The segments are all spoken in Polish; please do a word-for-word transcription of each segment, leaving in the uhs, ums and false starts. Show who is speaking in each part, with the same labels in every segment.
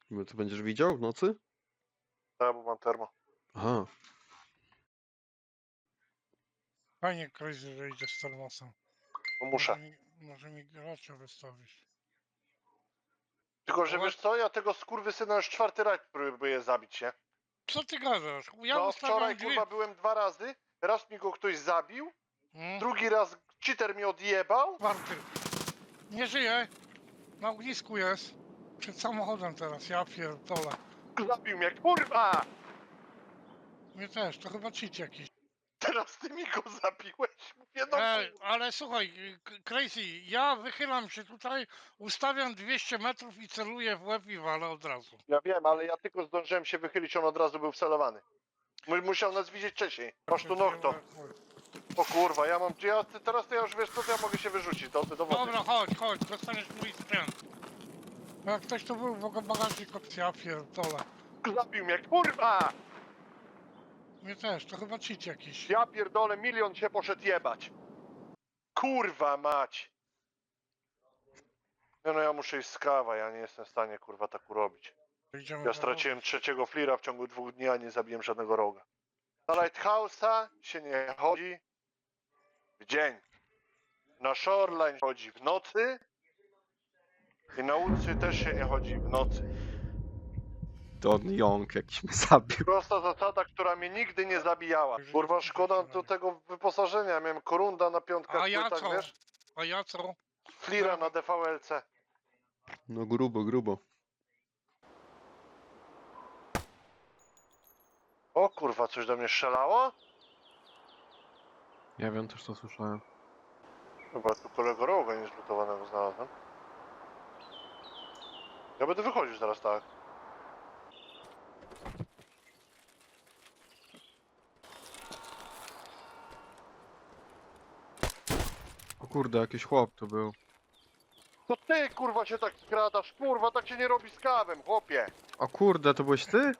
Speaker 1: No to będziesz widział w nocy?
Speaker 2: Tak, bo mam termo.
Speaker 1: Aha.
Speaker 3: Fajnie, Crazy, że idziesz z termosem.
Speaker 2: Bo
Speaker 3: Może
Speaker 2: muszę.
Speaker 3: mi, może mi gracza wystawisz.
Speaker 2: Tylko, że
Speaker 3: Ale-
Speaker 2: wiesz co, ja tego skurwysyna już czwarty rajd próbuję zabić, nie?
Speaker 3: Co ty gadasz? Ja
Speaker 2: No
Speaker 3: ustawiam
Speaker 2: wczoraj
Speaker 3: dwie...
Speaker 2: kurwa byłem dwa razy, raz mi go ktoś zabił,
Speaker 3: Hmm?
Speaker 2: drugi raz cheater mi odjebał.
Speaker 3: Czwarty. Nie żyje. Na ognisku jest. Przed samochodem teraz, ja pierdolę.
Speaker 2: Zabił mnie, kurwa!
Speaker 3: Mnie też, to chyba cheat jakiś.
Speaker 2: Teraz ty mi go zabiłeś. Mówię, no
Speaker 3: Ej,
Speaker 2: kurwa.
Speaker 3: ale słuchaj, K- Crazy, ja wychylam się tutaj, ustawiam dwieście metrów i celuję w łeb i walę od razu.
Speaker 2: Ja wiem, ale ja tylko zdążyłem się wychylić, on od razu był wcelowany. Mu- Musiał nas widzieć wcześniej. Masz tu nokto. O kurwa, ja mam... Ja, ty- teraz to ja już wiesz co, to ja mogę się wyrzucić do, do wody.
Speaker 3: Dobra, chodź, chodź, dostaniesz mój sprzęt. Jak ktoś tu był w bagażnik opcji, ja pierdolę.
Speaker 2: Zabił mnie, kurwa!
Speaker 3: Mnie też, to chyba cheat jakiś.
Speaker 2: Ja pierdolę, milion się poszedł jebać. Kurwa mać. No, no ja muszę iść z kawa, ja nie jestem w stanie kurwa tak urobić.
Speaker 3: Idziemy
Speaker 2: Ja
Speaker 3: do
Speaker 2: straciłem trzeciego flira w ciągu dwóch dni, a nie zabiłem żadnego roga. Na Lighthouse'a się nie chodzi w dzień. Na Shoreline chodzi w nocy. I na ulicy też się nie chodzi w nocy.
Speaker 1: Don Young jakiś mnie zabił.
Speaker 2: Prosta zasada, która mnie nigdy nie zabijała. Kurwa, szkoda do tego wyposażenia. Miałem korunda na piątkach
Speaker 3: A ja
Speaker 2: płytach,
Speaker 3: co?
Speaker 2: wiesz?
Speaker 3: A ja co?
Speaker 2: Flira na D V L C.
Speaker 1: No grubo, grubo.
Speaker 2: O kurwa, coś do mnie strzelało?
Speaker 1: Ja wiem, też to słyszałem.
Speaker 2: Chyba tu kolego roga niezlutowanego znalazłem. Ja będę wychodził zaraz, tak.
Speaker 1: O kurde, jakiś chłop to był.
Speaker 2: To ty kurwa się tak skradasz, kurwa, tak się nie robi z kawem, chłopie.
Speaker 1: O kurde, to byłeś ty?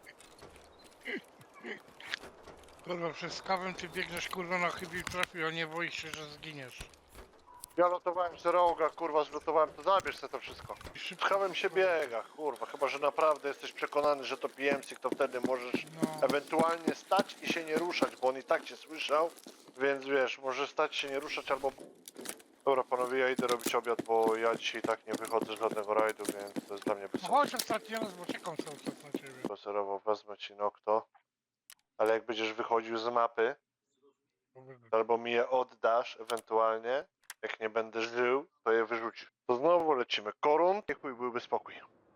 Speaker 3: Kurwa, przez kawę ty biegniesz kurwa na chybił trafił, a nie boisz się, że zginiesz.
Speaker 2: Ja lotowałem z roga, kurwa, zlutowałem, to zabierz sobie to wszystko.
Speaker 3: I
Speaker 2: Z
Speaker 3: szybko.
Speaker 2: kawem się biega, kurwa, chyba że naprawdę jesteś przekonany, że to P M C, to wtedy możesz
Speaker 3: No,
Speaker 2: ewentualnie stać i się nie ruszać, bo on i tak cię słyszał, więc wiesz, może stać się nie ruszać albo... Dobra panowie, ja idę robić obiad, bo ja dzisiaj tak nie wychodzę z żadnego rajdu, więc to jest dla mnie bez
Speaker 3: no
Speaker 2: sensu.
Speaker 3: chodź ostatni raz, bo czekam cały czas na ciebie.
Speaker 2: Spacerowo wezmę ci nokto, ale jak będziesz wychodził z mapy, albo mi je oddasz ewentualnie, jak nie będę żył, to je wyrzucisz. To znowu lecimy. Korun, i chuj, byłby spokój.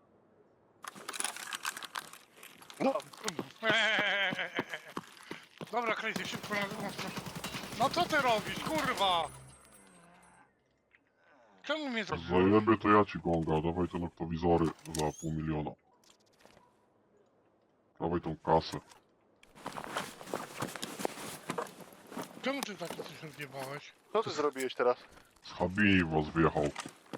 Speaker 2: No,
Speaker 3: Dobra, Crazy, szybko na drugą stronę. No co ty robisz, kurwa? Czemu mnie to...
Speaker 4: Zajebie to ja ci gonga, dawaj te noktowizory za pół miliona. Dawaj tą kasę.
Speaker 3: Czemu ty taki coś odjebałeś?
Speaker 2: co ty zrobiłeś teraz?
Speaker 4: Z Habini was wjechał.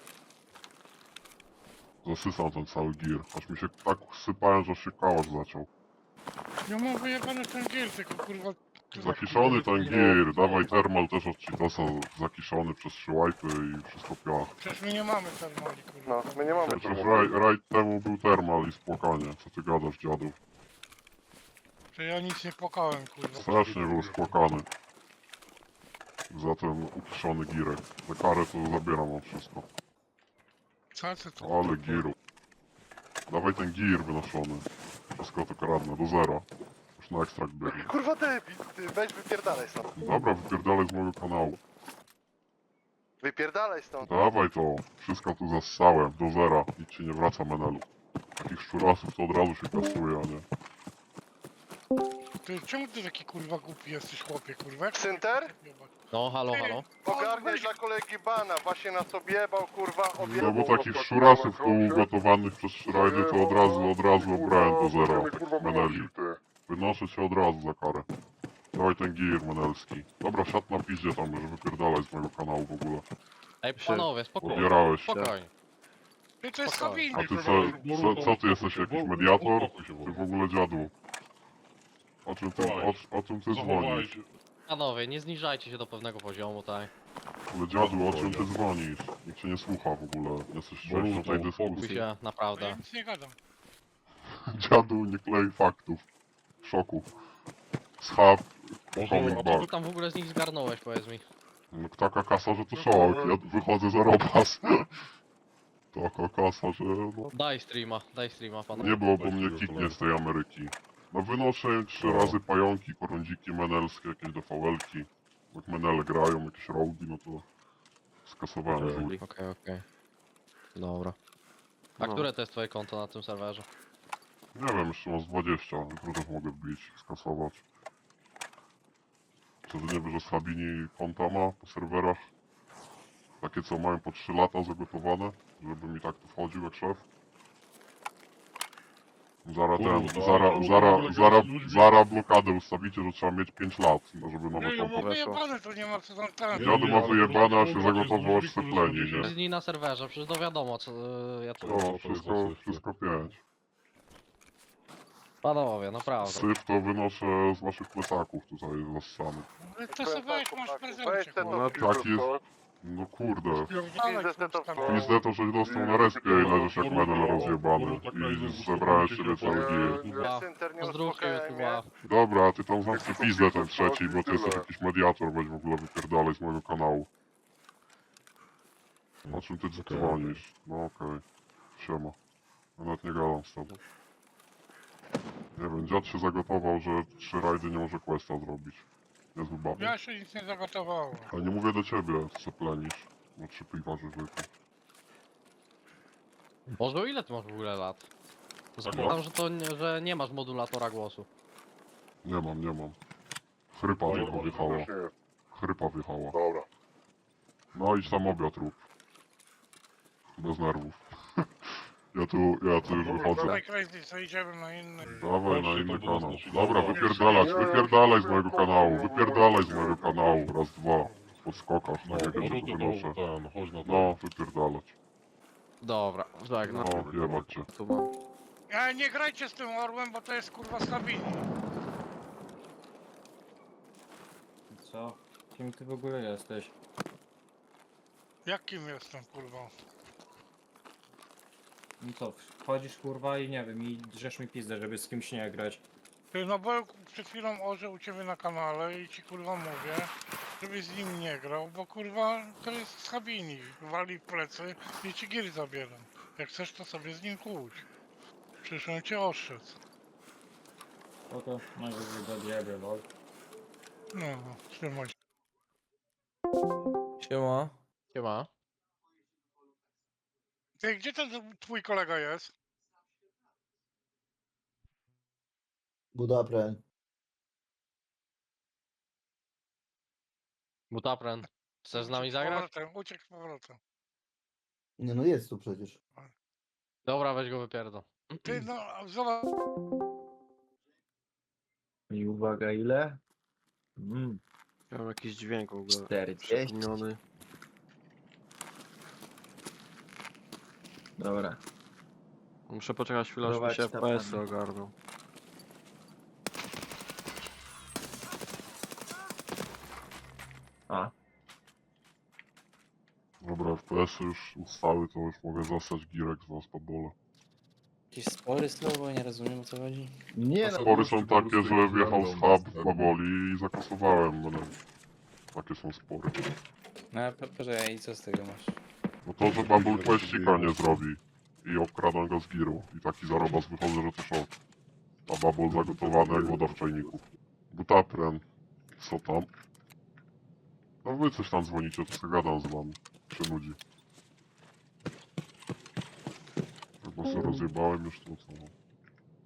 Speaker 4: Zasysał ten cały gir. Aż mi się tak sypałem, że aż się kałasz zaciął.
Speaker 3: Ja mam wyjebany ten gier, tylko kurwa...
Speaker 4: Zakiszony ten gir, dawaj termal też od Cheetasa zakiszony przez trzy łajpy i wszystko piach.
Speaker 3: Przecież my nie mamy termali, kurwa.
Speaker 2: No, my nie mamy
Speaker 4: Przecież
Speaker 2: problemu.
Speaker 4: raj, rajd temu był termal i spłakanie. Co ty gadasz, dziadu?
Speaker 3: Że ja nic nie płakałem, kurwa.
Speaker 4: Strasznie był spłakany. Za ten ukiszony girek. Za karę to zabieram mam wszystko.
Speaker 3: Co ty to?
Speaker 4: Ale giru. Dawaj ten gir wynoszony. Wszystko to kradnę, do zera. Już na ekstrakt biegnie.
Speaker 2: Kurwa debil, ty weź wypierdalaj stąd.
Speaker 4: Dobra, wypierdalaj z mojego kanału.
Speaker 2: Wypierdalaj stąd.
Speaker 4: Dawaj to. Wszystko tu zassałem, do zera. Nic ci nie wraca, menelu. Takich szczurasów to od razu się kasuje, a nie.
Speaker 3: Ty, czemu ty taki kurwa głupi jesteś, chłopie, kurwa? Jak
Speaker 2: Synter?
Speaker 5: No, halo, halo.
Speaker 2: Ogarniaj dla kolegi bana, właśnie na co biebał, kurwa,
Speaker 4: No
Speaker 2: objebał.
Speaker 4: bo takich szczurasów tu ugotowanych przez szrajdy to od razu, od razu obrałem do zera. Takich meneli. Wynoszę cię od razu za karę. Dawaj ten gir menelski. Dobra, siad na piździe tam, że wypierdalaj z mojego kanału w ogóle.
Speaker 5: Ej, panowie, spokojnie.
Speaker 4: Odbierałeś się.
Speaker 5: Spokojnie.
Speaker 3: Ty to jest
Speaker 5: Spokojnie.
Speaker 4: A
Speaker 3: kabiny,
Speaker 4: ty co, co, co ty jesteś, jakiś mediator? Ty w ogóle dziadu. O czym ty, o, o czym ty dzwonisz?
Speaker 5: Panowie, nie zniżajcie się do pewnego poziomu, tak?
Speaker 4: Ale dziadu, o czym ty dzwonisz? Nikt cię nie słucha w ogóle. Jesteś częścią tej
Speaker 5: Spokój
Speaker 4: dyskusji.
Speaker 5: się,
Speaker 3: Ja
Speaker 5: naprawdę.
Speaker 3: nic nie gadam.
Speaker 4: Dziadu nie klei faktów. W szoku. Schab,
Speaker 5: Może,
Speaker 4: coming
Speaker 5: a co ty
Speaker 4: back.
Speaker 5: tam w ogóle z nich zgarnąłeś, powiedz mi?
Speaker 4: No taka kasa, że to szok. Ja wychodzę za robas. Taka kasa, że no...
Speaker 5: Daj streama, daj streama, pana.
Speaker 4: Nie było, bo mnie kiknie z tej Ameryki. No wynoszę trzy razy pająki, korądziki menelskie, jakieś D V L-ki. Jak menele grają, jakieś rogi, no to... Skasowałem z nich.
Speaker 5: Okej, okej. Dobra. A
Speaker 1: No.
Speaker 5: które to jest twoje konto na tym serwerze?
Speaker 4: Nie wiem, jeszcze mam z dwadzieścia, jutro też mogę wbić, skasować. Co ty nie wiesz, że Sabini konta ma po serwerach? Takie co mają po trzy lata zagotowane, żeby mi tak tu wchodził jak szef. Zara ten,
Speaker 6: Kurwa,
Speaker 4: zara,
Speaker 6: to
Speaker 4: zara,
Speaker 6: w ogóle
Speaker 4: zara,
Speaker 6: gadać z ludźmi.
Speaker 4: zara blokadę ustawicie, że trzeba mieć pięć lat, no, żeby nowe
Speaker 3: Nie, ja
Speaker 4: konto.
Speaker 3: mam
Speaker 1: weszło.
Speaker 3: wyjebane, to nie ma co tam ten.
Speaker 4: Dziadu ma
Speaker 6: ale
Speaker 4: wyjebane, a się
Speaker 6: kurwa,
Speaker 4: zagotował aż
Speaker 6: z
Speaker 4: se
Speaker 6: ludźmi,
Speaker 4: pleni,
Speaker 6: którzy
Speaker 4: nie?
Speaker 5: Z dni na serwerze, przecież to wiadomo, co y, ja tu...
Speaker 4: No, wszystko, wszystko pięć.
Speaker 5: Panowie, naprawdę.
Speaker 4: Syf to wynoszę z waszych plecaków tutaj zassany.
Speaker 3: Ale to sobie weź, masz
Speaker 2: Weź
Speaker 3: prezencie,
Speaker 2: ten
Speaker 3: kurwa.
Speaker 1: No
Speaker 2: to
Speaker 4: tak jest. No kurde.
Speaker 3: Pierdolę,
Speaker 2: Pizdę to
Speaker 3: kurwa.
Speaker 4: Pizdę to żeś dostał na respie i leżysz jak menel rozjebany. I zebrałem siebie cały gil.
Speaker 5: Kurwa,
Speaker 2: Synter nie
Speaker 5: Pozdrówcie
Speaker 2: uspokajaj mnie.
Speaker 5: YouTube'a.
Speaker 4: Dobra, ty tam zamknij pizdę ten trzeci, bo ty jesteś jakiś mediator, weź w ogóle wypierdalaj z mojego kanału. O czym ty dzwonisz? No okej. Siema. Ja nawet nie gadam z tobą. Nie wiem, dziad się zagotował, że trzy rajdy nie może questa zrobić. Niezły baby.
Speaker 3: Ja się nic nie zagotowałem.
Speaker 4: A nie mówię do ciebie, co plenisz. No trzy piwa, że zwykle.
Speaker 5: Boże, ile ty masz w ogóle lat? Zakładam, że to nie, że nie masz modulatora głosu.
Speaker 4: Nie mam, nie mam. Chrypa tylko wjechała. Chrypa wjechała.
Speaker 2: Dobra.
Speaker 4: No idź tam obiad rób. Bez nerwów. Ja tu, ja tu już wychodzę.
Speaker 3: Dawaj Crazy, co idziemy na inny.
Speaker 4: Dawaj na inny kanał. Dobra, wypierdalać, wypierdalaj z mojego kanału, wypierdalaj z mojego kanału. Raz, dwa. Po skokach, tak jak ja się tu wynoszę.
Speaker 6: Ten, chodź na to.
Speaker 4: No, wypierdalać.
Speaker 5: Dobra, żegnam.
Speaker 4: No, jebać cię.
Speaker 1: Tu mam.
Speaker 3: Ja nie grajcie z tym orłem, bo to jest kurwa stabilny.
Speaker 7: Co? Kim ty w ogóle jesteś?
Speaker 3: Jakim jestem kurwa?
Speaker 7: No co, wchodzisz kurwa i nie wiem, i drzesz mi pizdę, żeby z kimś nie grać.
Speaker 3: Ty no bo przed chwilą orze u ciebie na kanale i ci kurwa mówię, żebyś z nim nie grał, bo kurwa to jest z Habini. Wali w plecy i ci gier zabieram. Jak chcesz to sobie z nim kłóć. Przecież on cię oszczędz.
Speaker 7: Oto, najwyżej do diabły, lol.
Speaker 3: No, trzymaj się.
Speaker 8: Siema.
Speaker 5: Siema.
Speaker 3: Ty, gdzie ten twój kolega jest?
Speaker 9: Budapren.
Speaker 5: Butapren. Chcesz z nami
Speaker 3: Uciekł z
Speaker 5: zagrać?
Speaker 3: powrotem, uciekł z powrotem.
Speaker 9: Nie no jest tu przecież.
Speaker 5: Dobra, weź go wypierdol.
Speaker 3: Ty no, zobacz.
Speaker 8: I uwaga, ile? Mm,
Speaker 1: Ja mam jakiś dźwięk w ogóle.
Speaker 8: czterdzieści.
Speaker 1: Przypomniony.
Speaker 8: Dobra.
Speaker 1: Muszę poczekać chwilę, aż mi
Speaker 8: Prowadź
Speaker 1: się
Speaker 8: tam,
Speaker 1: F P S-y
Speaker 8: Adam.
Speaker 1: ogarną.
Speaker 8: A,
Speaker 4: Dobra, F P S-y już ustały, to już mogę zostać girek z was pod bole.
Speaker 10: Jakieś spory słowo, nie rozumiem o co chodzi.
Speaker 8: nie no.
Speaker 4: Spory są takie, że wjechał z hub w Baboli i zakasowałem. No, takie są spory.
Speaker 10: No a po- poczekaj, i co z tego masz?
Speaker 4: No to, że Bubble Questika nie zrobi i obkradam go z giru. I taki zarobas wychodzę, że to szok. A Bubble zagotowany jak woda w czajniku. Butapren. Co tam? No wy coś tam dzwonicie, to sobie gadam z wami. Się nudzi. Chyba sobie rozjebałem już to, co...